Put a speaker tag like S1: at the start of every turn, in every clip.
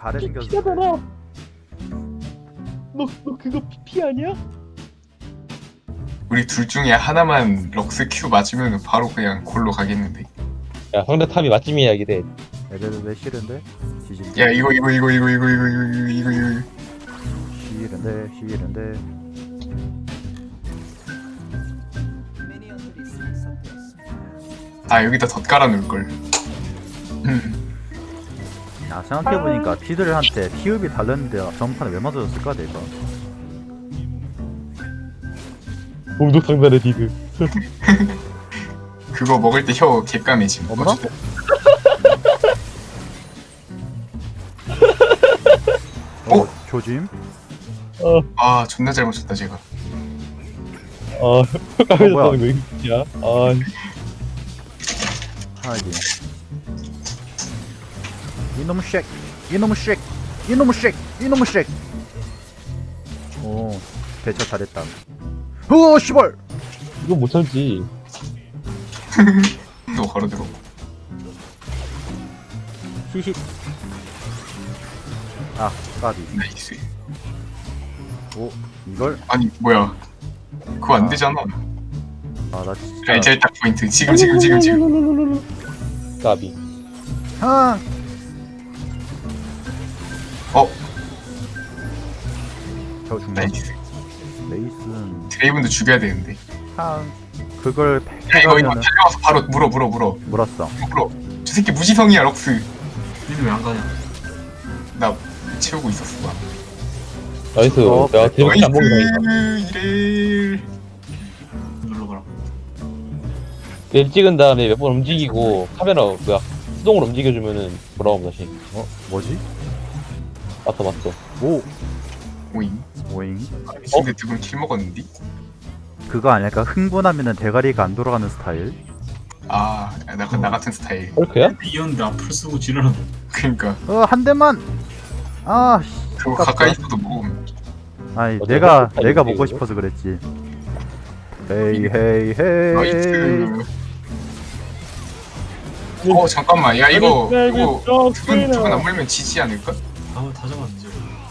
S1: 가래 생겼어.
S2: 피하잖아. 너 그거 피 아니야?
S3: 우리 둘 중에 하나만 럭스 큐 맞으면 바로 그냥 골로 가겠는데.
S2: 야 상대 탑이 맛집이야 이게.
S1: 애들 싫은데? 지진.
S3: 야 이거
S1: 싫은데.
S3: 아 여기다 덧 깔아 놓을 걸.
S1: 야 생각해보니까 피들한테 피읍이 달렸는데 전판에 왜 맞아줬을까 내가.
S2: 공격 상단의 디드.
S3: 그거 먹을 때 혀 개까매짐.
S1: 없나? 조짐?
S3: 아 존나 잘 맞췄다 제가.
S2: 까면서
S1: 뭐야?
S2: 하는 거 이거야?
S1: 하긴. 이놈의 쉑! 이놈의 쉑! 이놈의 쉑! 이놈의 쉑! 오 대처 잘했다. 으어 씨발!
S2: 이건 못 참지.
S3: 또 걸어들어.
S1: 히히. 아 까비.
S3: 나이스.
S1: 오 이걸?
S3: 아니 뭐야? 그거 안 되잖아.
S1: 아 나 진짜.
S3: 알잘딱 포인트. 지금.
S2: 까비.
S1: 아
S3: 어
S1: 저 중간.
S3: 나이스.
S1: 레이슨.
S3: 드레이븐도 죽여야 되는데.
S1: 그걸
S3: 야 이거
S1: 해가면은
S3: 달려와서 바로 물어.
S1: 물었어.
S3: 저 새끼 무지성이야 럭스.
S4: 니는 왜 안 가냐?
S3: 나 채우고 있었어. 나.
S2: 나이스. 내가 대박 안 먹는다.
S3: 이래.
S4: 눌러봐라.
S2: 맵 찍은 다음에 몇 번 움직이고 카메라 수동으로 움직여주면은 돌아오면 다시.
S1: 뭐지?
S2: 맞다.
S1: 오
S3: 오잉.
S1: 오잉.
S3: 근데 두분 킬 먹었는데?
S1: 그거 아닐까? 흥분하면은 대가리가 안 돌아가는 스타일.
S3: 아, 나 같은 스타일.
S2: 헐크야?
S4: 이었는데 앞을 쓰고 지르는
S3: 그러니까
S1: 한 대만. 아
S3: 그거
S1: 아깝다.
S3: 가까이 있어도 먹으면.
S1: 아니
S2: 어때?
S1: 내가
S2: 이거
S1: 먹고
S2: 이거?
S1: 싶어서 그랬지. 헤이.
S3: 나이스. 잠깐만. 야 이거 두분 안 물면 지지 않을까?
S4: 아마 다 잡았는지.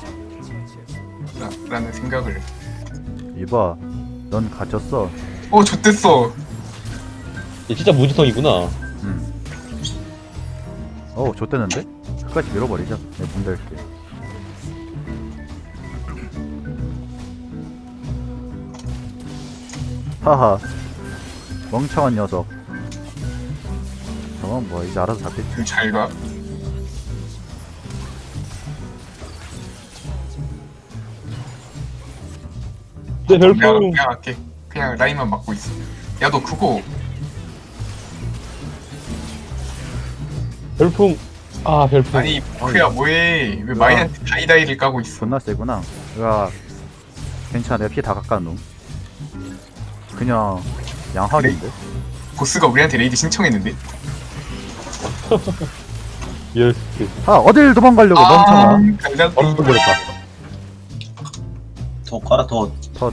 S3: 라는 생각을.
S1: 이봐, 넌 갇혔어.
S3: 좆됐어.
S2: 얘 진짜 무지성이구나.
S1: 좆대는데? 끝까지 밀어버리자. 내가 문 닫을게. 하하, 멍청한 녀석. 저건 뭐 이제 알아서 잡겠지.
S3: 좀 잘 가.
S2: 내
S3: 내가
S2: 별풍.
S3: 그냥 할게. 그냥 라인만 막고 있어. 야 너 그거
S2: 별풍. 별풍.
S3: 아니 그야 뭐해? 왜 마이한테 다이다이를 까고 있어?
S1: 존나 세구나. 야, 괜찮아. 내가 피 다 깎아 놓음. 그냥 양학인데?
S3: 보스가 우리한테 레이드 신청했는데?
S2: 예.
S1: 어딜 도망가려고 멍청아.
S3: 간장.
S2: 얼른 걸렸다.
S4: 더 깔아 더.
S1: 컷.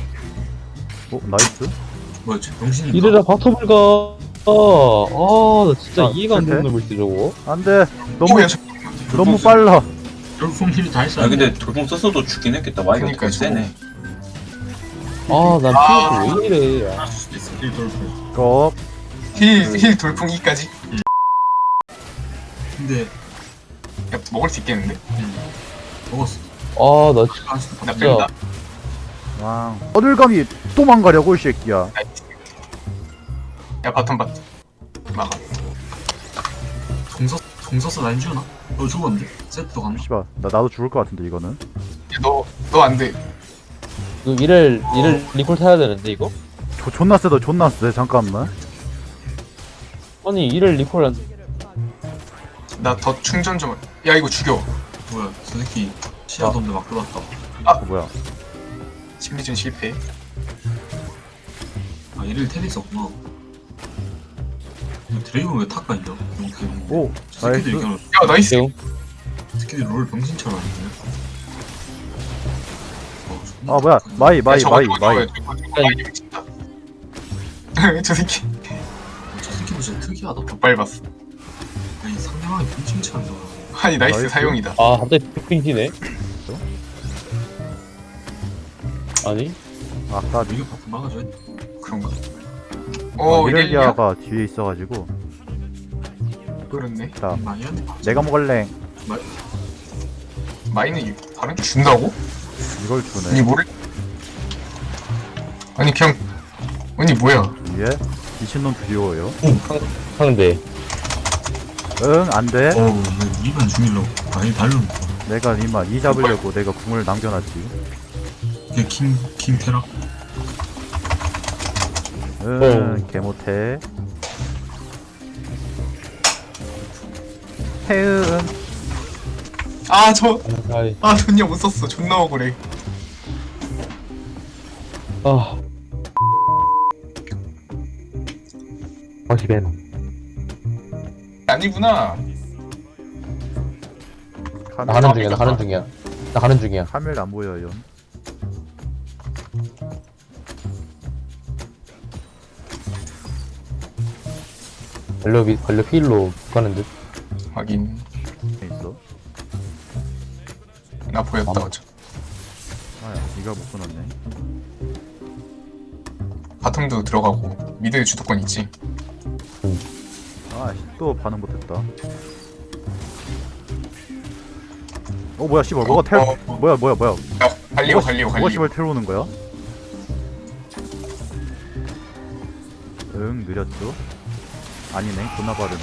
S1: 나이스.
S4: 뭐야 저 병신인가?
S2: 이래라 바텀을 가. 나 진짜 이해가 안 되는
S1: 실패?
S2: 놈일 때 저거.
S1: 안돼.
S3: 야,
S1: 너무 빨라.
S4: 별풍님이 다 했어.
S5: 아 근데 돌풍 썼어도 죽긴 했겠다. 마이가
S3: 그러니까
S5: 되게 세네.
S2: 난 피해서 왜 이래.
S4: 할 수도 있어. 일 돌풍.
S1: 껍.
S3: 힐 돌풍 2까지?
S4: 근데
S3: 야 먹을 수 있겠는데?
S4: 먹었어.
S2: 나
S4: 할 수도
S3: 나
S4: 있어.
S3: 뺀다.
S1: 왕. 어딜 감히 도망가려고 이 새끼야.
S3: 나이스. 야 바텀 막아.
S4: 공 썼어 난 주나? 너 죽었는데? 세트도 갔나?
S1: 씨발, 나도 죽을 것 같은데 이거는.
S3: 야 너 안 돼.
S2: 이를 리콜 타야 되는데 이거?
S1: 존나 세다. 존나 세. 잠깐만.
S2: 아니 이를 리콜 안.
S3: 나 더 충전 좀. 야 이거 죽여.
S4: 뭐야 저 새끼 시야도 없는데 막 들어왔다.
S1: 뭐야?
S3: 심리전 실패.
S4: 아 이를 테니스 없구나. 드레이븐 왜 탁가 있냐?
S1: 오,
S4: 저 새끼들이
S1: 나이스.
S4: 그냥
S3: 야 나이스.
S2: 대웅.
S4: 저 새끼들 롤 병신처럼 하는데.
S1: 뭐야? 마이.
S3: 야, 저거 마이 미친다. 저 새끼
S4: 저 새끼도 진짜 특이하다.
S3: 더 밟았어.
S4: 아니 상대방이 병신처럼 좋아.
S3: 아니 나이스
S1: 나이스.
S3: 사용이다.
S2: 아 갑자기 빅핑 튀네. 아니?
S1: 아까
S4: 이거 바꾸 막아줘야 돼.
S3: 그런가? 어 이렐리아?
S1: 이렐리아가 뒤에 있어가지고
S3: 그렇네.
S1: 자
S4: 마이한테
S1: 내가 먹을래.
S3: 마이는 다른 게 준다고?
S1: 이걸
S3: 아니
S1: 주네.
S3: 뭐를? 아니 그냥 아니 뭐야?
S1: 위에 미친놈 두려워요.
S2: 상대.
S1: 응 안돼.
S4: 어우 이만 죽이려고 아예 달려놓고
S1: 내가 니마 이 잡으려고 내가 궁을 남겨놨지.
S4: 이게 킹 테라
S1: 응 개못해. 태응
S3: 아저
S2: 아이.
S3: 전혀 못 썼어. 존나 억울해.
S2: 아. 집엔.
S3: 아니구나.
S2: 나 가는 중이야. 나 가는 중이야. 나 가는 중이야.
S1: 카멜 안 보여요.
S2: 걸려 필로 가는 듯.
S3: 확인.
S1: 있어.
S3: 나 보였다 어차.
S1: 아야 이가 못 끊었네.
S3: 바텀도 들어가고 미드 주도권 있지.
S1: 아또 반응 못했다. 뭐야 씨발 뭐가 텔 뭐야
S3: 야 갈리오 갈리오
S1: 뭐가
S3: 갈리오.
S1: 씨발 텔 오는 거야? 응 느렸죠? 아니네 존나 빠르네.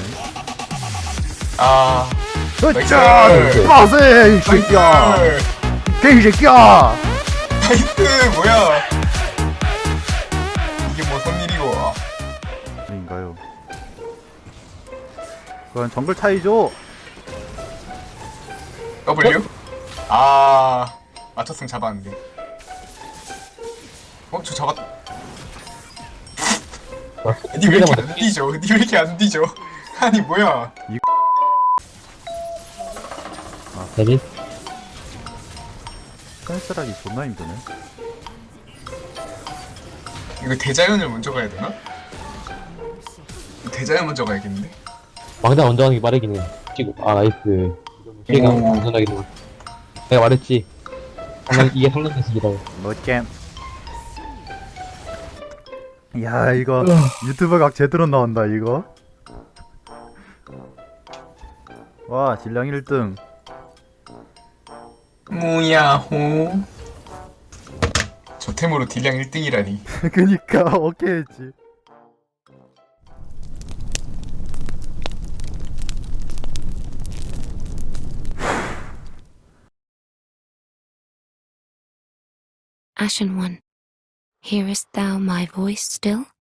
S3: 아
S1: 으짜!
S3: 나이스.
S1: 빠세 이 새끼야! 개이 새끼야!
S3: 나이스 뭐야? 이게 뭐 손일이고?
S1: 아닌가요? 그건 정글 차이죠?
S3: W? 아 맞췄으면 잡았는데. 저 잡았. 니 왜 이렇게 안 뒤져? 니 왜 이렇게 안 뒤져? 아니 뭐야?
S2: 데뷔?
S1: 끈쓰라기 존나 힘드네.
S3: 이거 대자연을 먼저 가야 되나? 대자연 먼저 가야겠는데?
S2: 왕자 먼저 하는 게 빠르긴 해. 찍고. 아 나이스. 얘가
S3: 오.
S2: 안전하게 돼. 내가 말했지. 이게 상관계식이라고.
S1: 멋잼. 야 이거 유튜브 각 제대로 나온다 이거. 와 질량 1등.
S3: 무야호. 저 템으로 딜량 1등이라니.
S1: 그니까 오케이 했지.
S6: Ashen One, hearest thou my voice still?